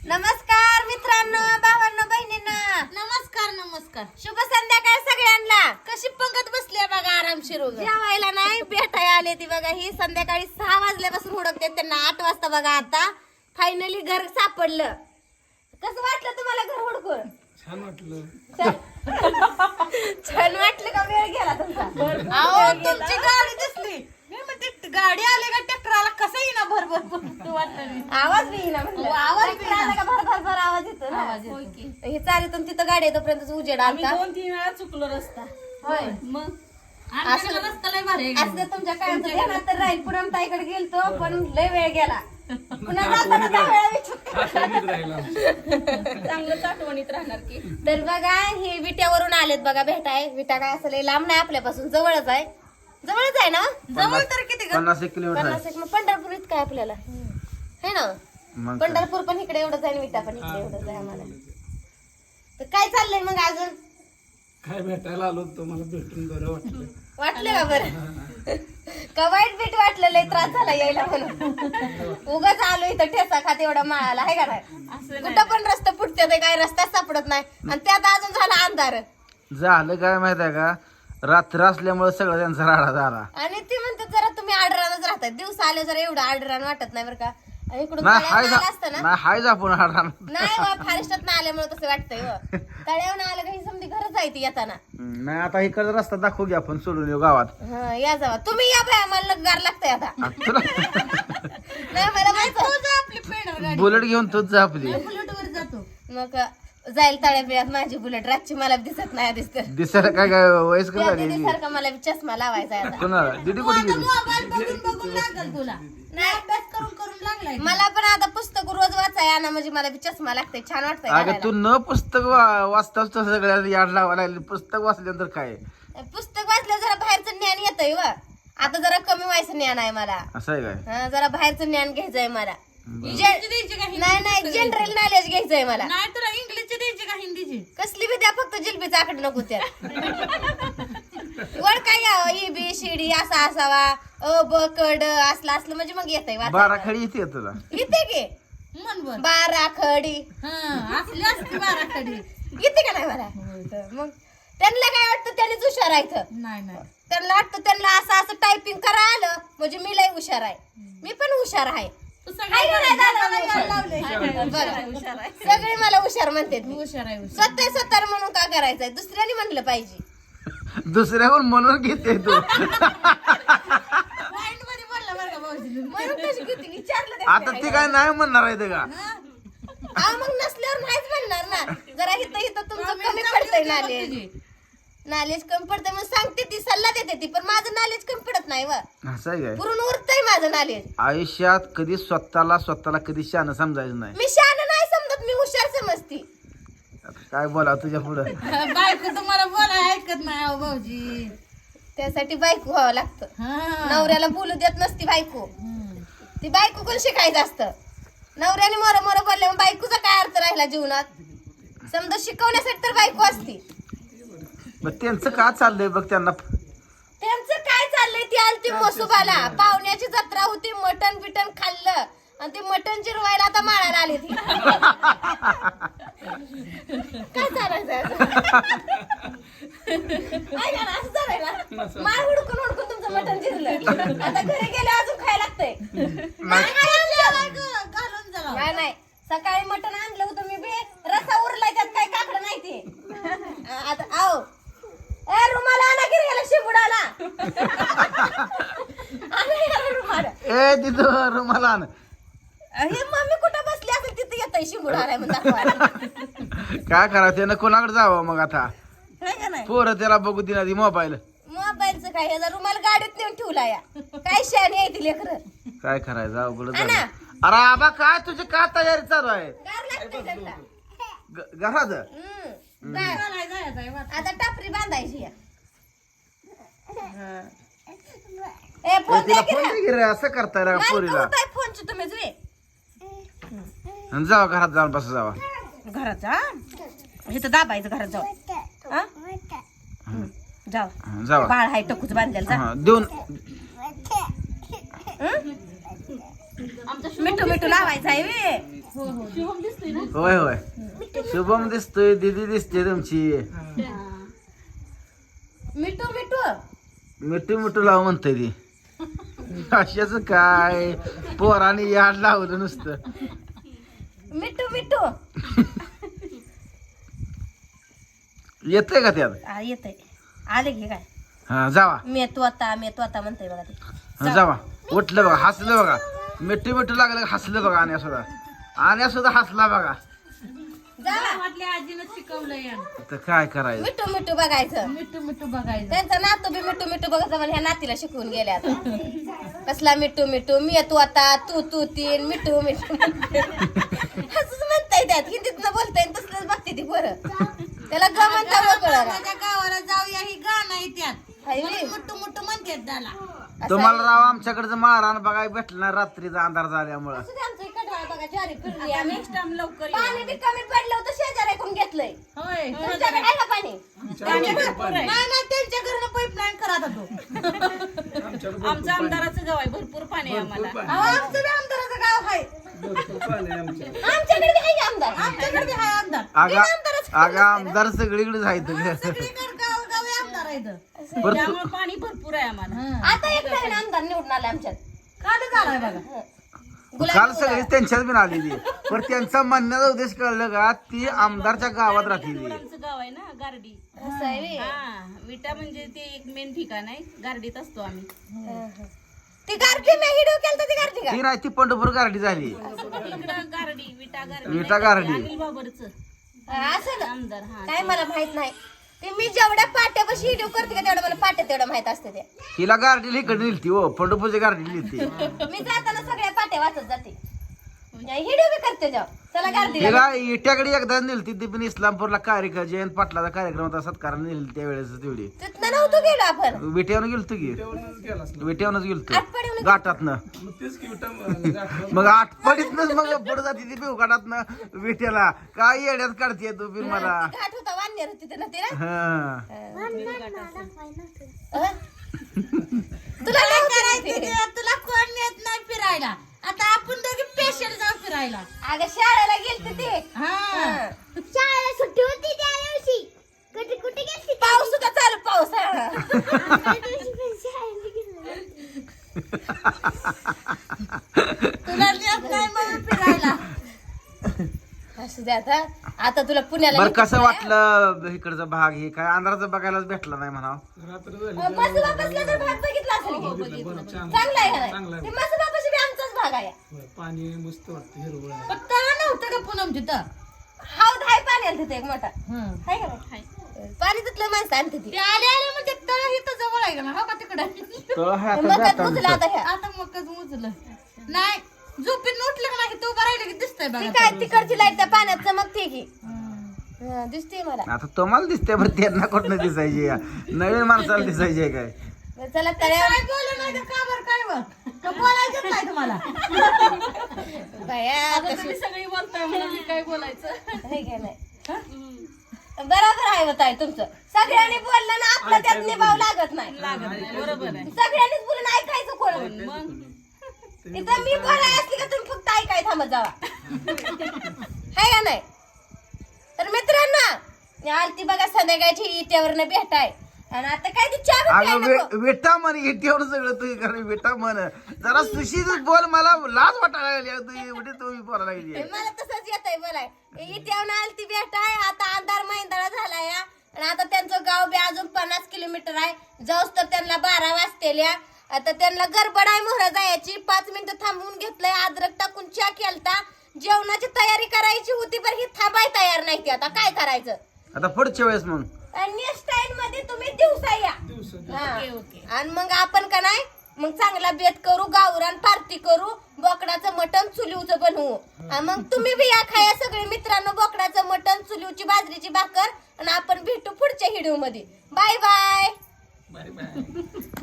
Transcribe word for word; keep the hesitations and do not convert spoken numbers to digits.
नमस्कार मित्रांनो, भावांनो, बहिणींनो, नमस्कार नमस्कार. शुभ संध्याकाळ सगळ्यांना. कशी पंगत बसली बघा आरामशीर उगा. जेवायला नाही भेटाय आले ती बघा. ही संध्याकाळी सहा वाजल्यापासून हुडकते त्यांना. आठ वाजता बघा आता फायनली घर सापडलं. कसं वाटलं तुम्हाला घर हुडकून? छान वाटलं. छान वाटलं का? वेळ गेला तुमचा? अहो तुमची गाडी दिसली. मी म्हणते गाडी आली का ट्रॅक्टरला कसं येईना भरभर वाटलं. आवाज बी येईना म्हणलं. हो, आवाज बी आला का भर भर भर आवाज येतो ना. आवाज येतो. हे चालीतून तिथं गाडी येतोपर्यंत उजेड आलता. दोन तीन वेळा चुकलो रस्ता. होय. मग आमच्या रस्ता लय भारी आहे. असं तुमच्या कायमचं ध्यानात तर राहील. पुन्हा ताईकडे गेलतो पण लय वेळ गेला. पुन्हा जाताना दहा वेळा विचार. आठवणीत राहिला आमच्या. चांगलंच आठवणीत राहणार की. तर बघा हे विट्यावरून आलेत बघा भेटाय. विटा काय असं लय लांब नाही आपल्यापासून, जवळच आहे. जवळच आहे ना? जवळ तर किती ग? पन्नास एक किलोमीटर पन्नास एक. मग पंढरपूर इतकं आहे आपल्याला, है ना? मग काय? पंढरपूर पण इकडे एवढंच आहे आणि विटा पण इकडे एवढंच आहे आम्हाला. तर काय चाललंय मग अजून? काय भेटायला आलो तुम्हाला भेटून बरं वाटलं. वाटलं का बरं? का वाईट बीट वाटलं? लय त्रास झाला यायला म्हणून. उगाच आलो इथं ठेसा खात एवढा माळाला, आहे का नाही? कुठं पण रस्ता फुटते ते, काय रस्ता सापडत नाही. आणि त्यात अजून झाला अंधार. झालं काय माहित आहे का, रात्र असल्यामुळे सगळं त्यांचा राडा झाला. आणि ती म्हणतात जरा तुम्ही आडरानच राहतात. दिवस आले जरा एवढं आडरान वाटत नाही बरं का. आणि इकडून नाही हाय तळ्यावरून आलं असतं ना. नाही हाय आपण राडा. नाही वा, फॉरेस्टात ना आल्यामुळे तसं वाटतंय व. तळ्यावरून आलं का ही समधी घरच आहे ती येताना. नाही आता इकडचा रस्ता दाखवू घ्या आपण, सोडून येऊ गावात. हा या जावा तुम्ही. या बाय, मला गार लागतंय आता. आ, तुला नाही मला माहिती. आपली पेडर गाडी बुलेट घेऊन तूच जा आपली. बुलेटवर जातो. मग जाईल तळ्या बिळ्यात माझी बुलेट. रातची मला दिसत नाही दिसत. दिसायला काय काय वयस्कर त्या झाली दीदी सारखा मला बी चष्मा लावायचा आहे आता. कोणाला दीदी कुठे गेली? मोबाईल बघून बघून लागल तुला. नाही अभ्यास करून करून लागलाय. मला पण आता पुस्तक रोज वाचाय आणा म्हणजे मला बी चष्मा लागतंय. छान वाटतंय अगं घालायला. तू न पुस्तक वा- वाचताच तर सगळ्या याड लावायला लागली. पुस्तक वाचल्यानंतर काय पुस्तक वाचलं जरा बाहेरचं ज्ञान येतंय व. आता जरा कमी व्हायचं ज्ञान आहे मला. असं आहे काय? हा, जरा बाहेरचं ज्ञान घ्यायचंय मला. इंग्लिशची द्यायची का नाही नाही जनरल नॉलेज घ्यायचंय मला. नाही तुला इंग्लिशची द्यायची का हिंदीची? कसली बी द्या, फक्त जिलबीचा आकडे नको त्या. वर काय यावं, ई बी सी डी असा असावा, अ ब क ड असलं असलं म्हणजे मग येतंय बारा वाचायला. खडी येते तुला. येते की मन बर. बारा खडी हा असली असती बारा कडी. येते का नाही मला? मग त्यांना काय वाटतं त्यांनीच हुशार आहे इथं. नाही नाही. त्यांना वाटतं त्यांना असं असं टायपिंग करा आलं म्हणजे मी लय हुशार आहे. मी पण हुशार आहे. तू हाय का नाही दादा? सगळ्या लावले. बरं. सगळे मला हुशार म्हणतात. मी हुशार आहे हुशार. स्वतः स्वतः म्हणून का करायचंय? दुसऱ्याने म्हणलं पाहिजे. दुसऱ्याहून म्हणून घेते तू. पॉइंट मध्ये बोलला बरं का भाऊजी. म्हणून कशी किती विचारलं ते आता ती काय नाही म्हणणार आहे ते का? अहो, मग नसल्यावर नाहीच म्हणणार ना. जरा इथं इथं तुमचं कमी पडतंय नॉलेज. नॉलेज कमी पडतंय मग सांगते ती, सल्ला देते ती, पण माझं नॉलेज कमी पडत नाही व. असं आहे काय? पुरून उरतंय माझं नॉलेज. आयुष्यात कधी स्वतःला स्वतःला कधी शहाणं समजायचं नाही. मी शहाणं नाही समजत, मी हुशार समजती. आता काय बोला तुझ्या पुढं. बायको तुम्हाला बोलाय ऐकत नाही अहो भाऊजी. त्यासाठी बायको व्हावं लागतं. हा. नवऱ्याला बोलू देत नसती बायको. हम्म. ती बायको कोण शिकायचं असतं. नवऱ्याने मोर मोर बोलले मग बायकोचा काय अर्थ राहिला जीवनात? समजा शिकवण्यासाठी तर बायको असती. मग त्यांचं का चाललंय बघ त्यांना. त्यांचं काय चाललंय? ती आलती मसुबाला, पाहुण्याची जत्रा होती, मटण बिटन खाल्लं आणि ते मटण जिरवायला आता माळायला आले ती. काय चालायचं असं? ऐका ना, असं चालाय ना. माळ हुडकून हुडकून तुमचं मटण जिरलं. आता घरी गेले अजून खायला लागतंय. नाही, घालून झाला. नाही नाही, सकाळी मटण आणलं होतं मी बी. रसा उरलाय त्यात काय काकडं नाही ते. आता आओ ए रुमाला आणा की गेला शिबुडाला. आणा याला रुमाल. ए तिथं रुमाला आण. हे मम्मी कुठं बसली असेल तिथे येतंय शिबुडाला म्हणून दाखवायला. काय करा त्यानं कोणाकडे जावं मग आता? हाय का नाही? पोरं त्याला बघू दिना ती मोबाईल. मोबाईलचं काय, ह्याचा रुमाल गाडीत नेऊन ठेवला या. काय शहाणी आहे ती लेकरं. काय करायचं अवघड आणा. झालं. अरे आबा काय तुझी का तयारी चालू आहे गार लागतंय त्यांना. ग- घरात? हम्म. गार. चालाय जायचं आहे वाट. आता टापरी बांधायची या. ए ए, फोन तिला द्या की फोन रे. दे की रे, असं करताय रा पोरीला. फोनची तुम्ही जुळे आणि जावा घरात जाऊन बस जावा. घरात जा. इथं दाबायचं घरात जाऊ. हा? जाऊ. हं, जावा. बाळ हाय टकूच बांधलेलं जा. हं, देऊन मिठू मिठू लावायचं आहे वे. शुभम दिसतोय ना होय होय शुभम दिसतोय दीदी दिसते तुमची मिठू मिठू मिठू मिठू लाव म्हणतोय ती अशाच काय पोराने याड लावलं नुसतं मिठू मिठू येतंय का त्यात हा येतंय आले घे काय हा जावा मी तू आता मी तू आता म्हणतोय बघा ते हा, जावा उठलं बघा हसलं बघा मिठू मिठू लागलं का हसलं बघा आण्या सुद्धा आण्या सुद्धा हसला बघा जा वाटले आजीनं शिकवलंय तर काय करायचं मिठू मिठू बघायचं मिठू मिठू बघायचं त्यांचा नातू बी मिठू मिठू बघायचं मला ह्या नातीला शिकवून गेल्या आता कसला मिठू मिठू मी तू आता तू तू तीन मिठू मिठू असंच म्हणताय त्यात हिंदीत बोलताय तसलंच बघते ती बरं त्याला गमन कळा माझ्या गावाला जाऊया ही गाणं आहे त्यात हाय म्हणून बी. मुट्टू मुट्टू म्हणतात त्याला तुम्हाला राव आमच्याकडचं मारहाण बघाय भेटलं नाही रात्रीचा अंधार झाल्यामुळं असू दे, आमचं इकडं आहे बघा ज्वारी फिरली आम्ही नेक्स्ट टाइम लवकर येऊ. पाणी बी कमी पडलं होतं शेजाऱ्याकडून घेतलंय होय तुमच्याकडे आहे का पाणी नाही नाही त्यांच्या घरनं पाईपलाईन करा आता तो आमच्याकडे आमचं आमदाराचं गाव आहे भरपूर पाणी आहे आम्हाला भरपूर अहो, आमचं बी आमदाराचं गाव आहे भरपूर पाणी आहे आमच्या आमच्याकडे बी आहे की आमदार आमच्याकडे बी आहे आमदार आगा आगा आमदार सगळीकडे आहेत सगळीकडे गाव गावी आमदार आहे इथं. बरं त्यामुळे पाणी भरपूर आहे आम्हाला आता एक नवीन आमदार निवडून आला आमच्यात काल झालाय बघा गुलाब काल सगळी त्यांच्याच बिन आलेली पण त्यांचा म्हणण्याचा उद्देश कळलं का ती आमदारच्या गावात राहतील आमचं गाव आहे ना गारडी असं आहे बी. हा विटा म्हणजे ते एक मेन ठिकाण आहे गारडीत असतो आम्ही ती गारठी मी हिडो केलता ती गारठी का ती नाही ती पंढरपूर गारडी झाली इकडं गारडी विटा गारडी विटा गारडी. अनिल बाबरचं असं ना आमदार हा काय मला माहित नाही ते मी जेवढ्या पाट्यापाशी हिडो करते का तेवढं मला पाट्या तेवढं माहित असते ते तिला गारडीला इकडे नेलती हो पंढरपूरच्या गारडी नेलती मी जाताना सगळ्या पाट्या वाचत जाते हिडो बी करते जाऊ चला गारठीला तिला इट्याकडे एकदा नेलती ती पण इस्लामपूरला कार्यक्रम जयंत पाटलाचा कार्यक्रम होता सत्कार नेली त्यावेळेस तेवढी तिथनं नव्हतो गेलो आपण विट्यावनं गेलतो की जेवणच गेला असला. विट्यावनच गेलतो आटपाडीहून गाठातनं मग तेच की विटा- गाठलं. मग आठपडीतनच मग पुढे जाते ती पिवकाटातनं विट्याला काय येड्यात काढते तू बी मला घाट होता वान्यर होती तिथं ना तिला हा अं? तुला काय करायचं ते तुला कोण नेत नाही फिरायला आता आपण दोघे स्पेशल जाऊ फिरायला अगं शाळेला गेलते ते हा शाळेला सुट्टी होती त्या दिवशी कुठे कुठे गेलती पाऊस सुद्धा चालू पाऊस तुला नेत नाही मग फिरायला असू दे आता आता तुला पुण्याला बर नेते कसं फिरायला. वाटलं इकडचा भाग हे काय अंधाराचा बघायलाच भेटला नाही म्हणा रात्र झाली अं, मसुबा बसला तर भाग बघितला असेल की? बरं, छान. चांगला आहे का चांगला नाही आहे. ते मसुबापाशी बी आमचाच भाग आहे होय, पाणी मस्त वाटतं हिरवळ आहे. पण तळा नव्हतं का पुनम तिथं हाव धाय पाणी आलं तिथे एक मोठा हं. आहे का नाही? पाणी तिथलं माणसं आणते ती ते आले आले म्हणजे तळ इथं जवळ आहे का ना हो का तिकडं तळ आहे आता मग जाताना मुजला आता ह्या आता मगच मुजलं नाही झोपीत उठलं का नाही तू उभं राहिलं की दिसतंय ती बघा काय तिकडची लाईट त्या पाण्यात चमकते की हं. हं, दिसते मला आता तुम्हाला दिसते बरं त्यांना कुठनं दिसायची या नवीन माणसाला दिसायची काय बरं, चला तळ्या काय बोलू नाही तर का बरं काय बरं का बोलायचंच नाही तुम्हाला बाया कशी तुम्ही सगळी बोलताय म्हणून मी काय बोलायचं हे घे नाही बरोबर आहे होत आहे तुमचं सगळ्यांनी बोललं ना आपलं त्यात निभाव लागत नाही बरोबर आहे सगळ्यांनीच बोलून ऐकायचं कोण मग इथं मी बोलाय असली का तुम्ही फक्त ऐकाय थांबत जावा हाय का नाही तर मित्रांनो मी आलती बघा संध्याकाळची इट्यावरनं भेटाय आणि आता काय ती चहा बी प्यायला नको. अगं विटा म्हण इटीवर सगळं तुम्ही कारण विटा म्हण जरा सुशीच बोल मला लाज वाटायला लागली तू एवढी तुम्ही बोलायला लागली मला तसंच येत आहे बोलाय इट्यावरनं आलती भेटाय आता अंधार महिंदळा झालाय हा. आणि आता त्यांचं गाव बी अजून पन्नास किलोमीटर आहे जाऊस तर त्यांना बारा वाजतेल्या आता त्यांना गडबड आहे मोहरा जायची पाच मिनिटं थांबवून घेतलंय अद्रक टाकून चहा केलता जेवणाची तयारी करायची होती पण ही थांबाय तयार नाही ती आता काय करायचं आता पुढच्या वेळेस मग नेक्स्ट टाइम मध्ये तुम्ही दिवसा या दिवसा- हा. Okay, okay. आणि मग आपण का नाही मग चांगला बेत करू गावरान पार्टी करू बोकडाचं मटण चुलीवचं बनवू आणि मग तुम्ही बी या खाया सगळे मित्रांनो बोकडाचं मटण चुलीवची बाजरीची भाकर आणि आपण भेटू पुढच्या व्हिडिओ मध्ये बाय बाय बाय बाय